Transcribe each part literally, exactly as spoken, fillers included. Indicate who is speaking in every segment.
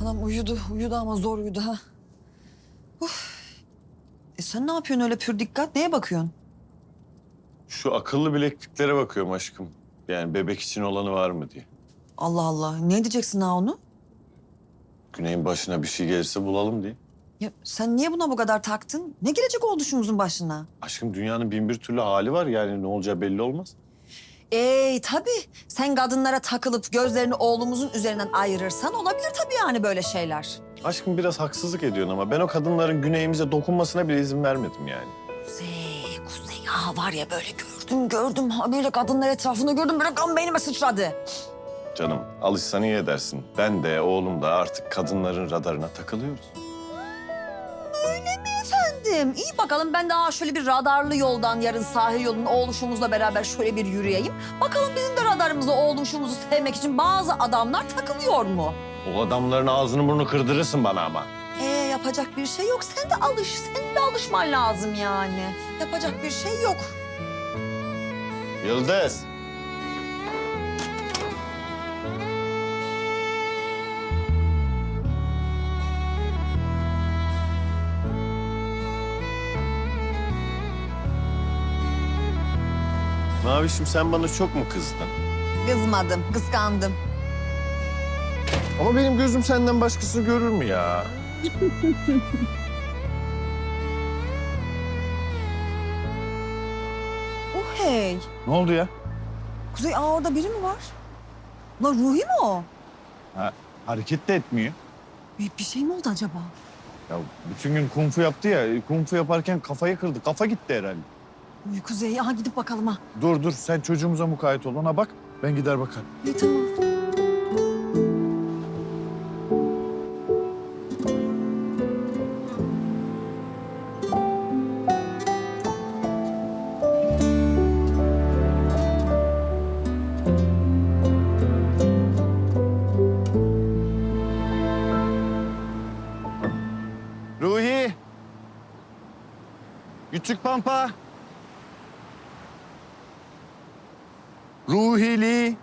Speaker 1: Anam uyudu, uyudu ama zor uyudu ha. Uf. E sen ne yapıyorsun öyle pür dikkat? Neye bakıyorsun?
Speaker 2: Şu akıllı bilekliklere bakıyorum aşkım. Yani bebek için olanı var mı diye.
Speaker 1: Allah Allah. Ne diyeceksin ha onu?
Speaker 2: Güney'in başına bir şey gelirse bulalım diye.
Speaker 1: Ya sen niye buna bu kadar taktın? Ne gelecek oluşumuzun başına?
Speaker 2: Aşkım dünyanın bin bir türlü hali var yani ne olacağı belli olmaz.
Speaker 1: Ey tabii. Sen kadınlara takılıp gözlerini oğlumuzun üzerinden ayırırsan olabilir tabii yani böyle şeyler.
Speaker 2: Aşkım biraz haksızlık ediyorsun ama ben o kadınların Güney'imize dokunmasına bile izin vermedim yani.
Speaker 1: Kuzey, Kuzey. Ha var ya böyle gördüm gördüm. Ha böyle kadınlar etrafında gördüm. Böyle kan beynime sıçradı.
Speaker 2: Canım alışsan iyi edersin. Ben de oğlum da artık kadınların radarına takılıyoruz.
Speaker 1: Efendim, iyi bakalım ben daha şöyle bir radarlı yoldan yarın sahil yolunun oğluşumuzla beraber şöyle bir yürüyeyim. Bakalım bizim de radarımıza oğluşumuzu sevmek için bazı adamlar takılıyor mu?
Speaker 2: O adamların ağzını burnunu kırdırırsın bana ama.
Speaker 1: Ee yapacak bir şey yok. Sen de alış, senin de alışman lazım yani. Yapacak bir şey yok.
Speaker 2: Yıldız. Mavişim sen bana çok mu kızdın?
Speaker 1: Kızmadım, kıskandım.
Speaker 2: Ama benim gözüm senden başkasını görür mü ya?
Speaker 1: Oh hey.
Speaker 2: Ne oldu ya?
Speaker 1: Kuzey, aa orada biri mi var? Lan Ruhi mi o?
Speaker 2: Ha, hareket de etmiyor.
Speaker 1: Bir, bir şey mi oldu acaba?
Speaker 2: Ya bütün gün kung fu yaptı ya. Kung fu yaparken kafayı kırdı. Kafa gitti herhalde.
Speaker 1: Uy Kuzey, aha gidip bakalım ha.
Speaker 2: Dur dur sen çocuğumuza mukayyet ol. Ona bak. Ben gider bakarım.
Speaker 1: İyi tamam.
Speaker 2: Ruhi. Küçük Pampa. Ruhili.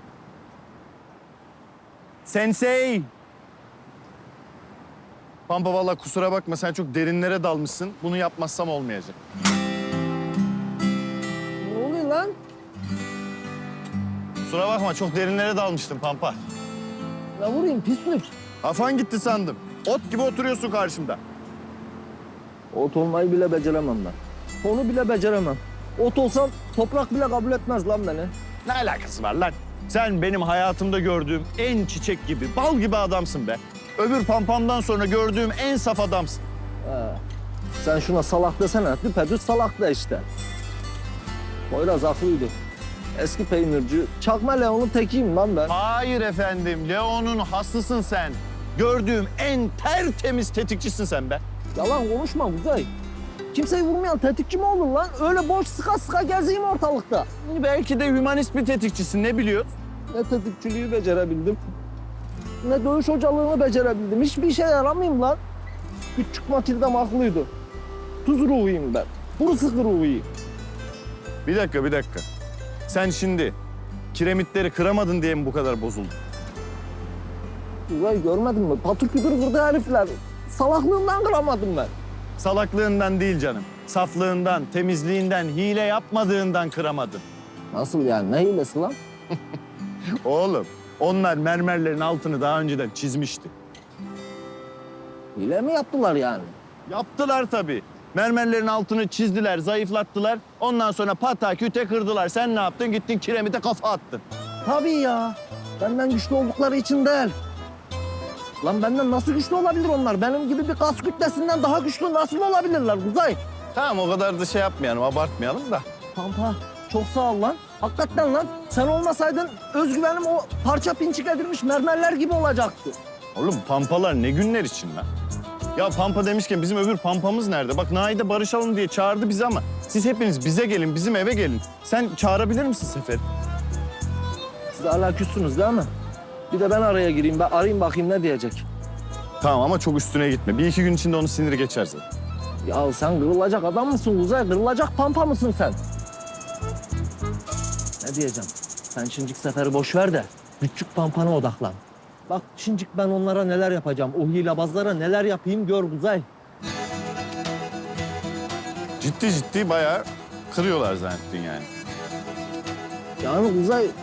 Speaker 2: Sensei. Pampa vallahi kusura bakma sen çok derinlere dalmışsın. Bunu yapmazsam olmayacak.
Speaker 3: Ne oluyor lan?
Speaker 2: Kusura bakma çok derinlere dalmıştım Pampa.
Speaker 3: Ne vurayım pislik?
Speaker 2: Kafan gitti sandım. Ot gibi oturuyorsun karşımda.
Speaker 3: Ot olmayı bile beceremem ben. Onu bile beceremem. Ot olsam toprak bile kabul etmez lan beni.
Speaker 2: Ne alakası var lan? Sen benim hayatımda gördüğüm en çiçek gibi, bal gibi adamsın be. Öbür pampamdan sonra gördüğüm en saf adamsın.
Speaker 3: He. Sen şuna salak desene. Düpedüz salak da işte. Poyraz haklıydı. Eski peynirci, çakma Leon'un tekiyim lan ben.
Speaker 2: Hayır efendim, Leon'un haslısın sen. Gördüğüm en tertemiz tetikçisin sen be.
Speaker 3: Yalan konuşma Kuzey. Kimseyi vurmayan tetikçi mi olur lan? Öyle boş sıka sıka gezeyim ortalıkta.
Speaker 2: Belki de hümanist bir tetikçisin, ne biliyorsun?
Speaker 3: Ne tetikçiliği becerebildim, ne dövüş hocalığını becerebildim. Hiçbir işe yaramayayım lan. Küçük Matilda'm haklıydı. Tuz ruhuyum ben. Kuru sıkı ruhuyum.
Speaker 2: Bir dakika, bir dakika. Sen şimdi kiremitleri kıramadın diye mi bu kadar bozuldun?
Speaker 3: Uzay görmedin mi? Patır kütür kırdı herifler. Salaklığından kıramadım ben.
Speaker 2: Salaklığından değil canım. Saflığından, temizliğinden, hile yapmadığından kıramadın.
Speaker 3: Nasıl yani? Ne hilesi lan?
Speaker 2: Oğlum, onlar mermerlerin altını daha önceden çizmişti.
Speaker 3: Hile mi yaptılar yani?
Speaker 2: Yaptılar tabii. Mermerlerin altını çizdiler, zayıflattılar. Ondan sonra pata küte kırdılar. Sen ne yaptın? Gittin kiremite kafa attın.
Speaker 3: Tabii ya. Benden güçlü oldukları için değil. Lan benden nasıl güçlü olabilir onlar? Benim gibi bir kas kütlesinden daha güçlü nasıl olabilirler Uzay?
Speaker 2: Tamam o kadar da şey yapmayalım, abartmayalım da.
Speaker 3: Pampa çok sağ ol lan. Hakikaten lan. Sen olmasaydın özgüvenim o parça pinçik edilmiş mermerler gibi olacaktı.
Speaker 2: Oğlum pampalar ne günler için lan? Ya Pampa demişken bizim öbür Pampamız nerede? Bak Naide barışalım diye çağırdı bizi ama siz hepiniz bize gelin, bizim eve gelin. Sen çağırabilir misin Sefer?
Speaker 3: Siz hala küssünüz değil mi? Bir de ben araya gireyim. Ben arayayım bakayım ne diyecek.
Speaker 2: Tamam ama çok üstüne gitme. Bir iki gün içinde onun siniri geçer zaten.
Speaker 3: Ya sen kırılacak adam mısın Uzay? Kırılacak pampa mısın sen? Ne diyeceğim? Sen şimdiki seferi boş ver de küçük pampana odaklan. Bak şimdi ben onlara neler yapacağım. O hilebazlara neler yapayım gör Kuzey.
Speaker 2: Ciddi ciddi bayağı kırıyorlar zannettin yani.
Speaker 3: Yani Kuzey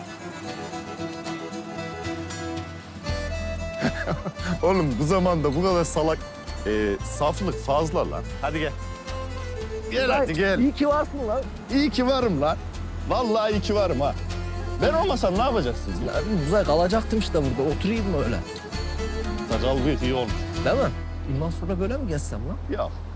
Speaker 2: Oğlum bu zamanda bu kadar salak e, saflık fazla lan. Hadi gel. Gel hadi gel.
Speaker 3: İyi ki varsın lan.
Speaker 2: İyi ki varım lan. Vallahi iyi ki varım ha. Ben olmasam ne yapacaksınız lan?
Speaker 3: Ya Kuzey kalacaktım işte burada. Oturayım mı öyle?
Speaker 2: Sakal bir iyi olmuş.
Speaker 3: Değil mi? Bundan sonra böyle mi gezsem lan?
Speaker 2: Yok.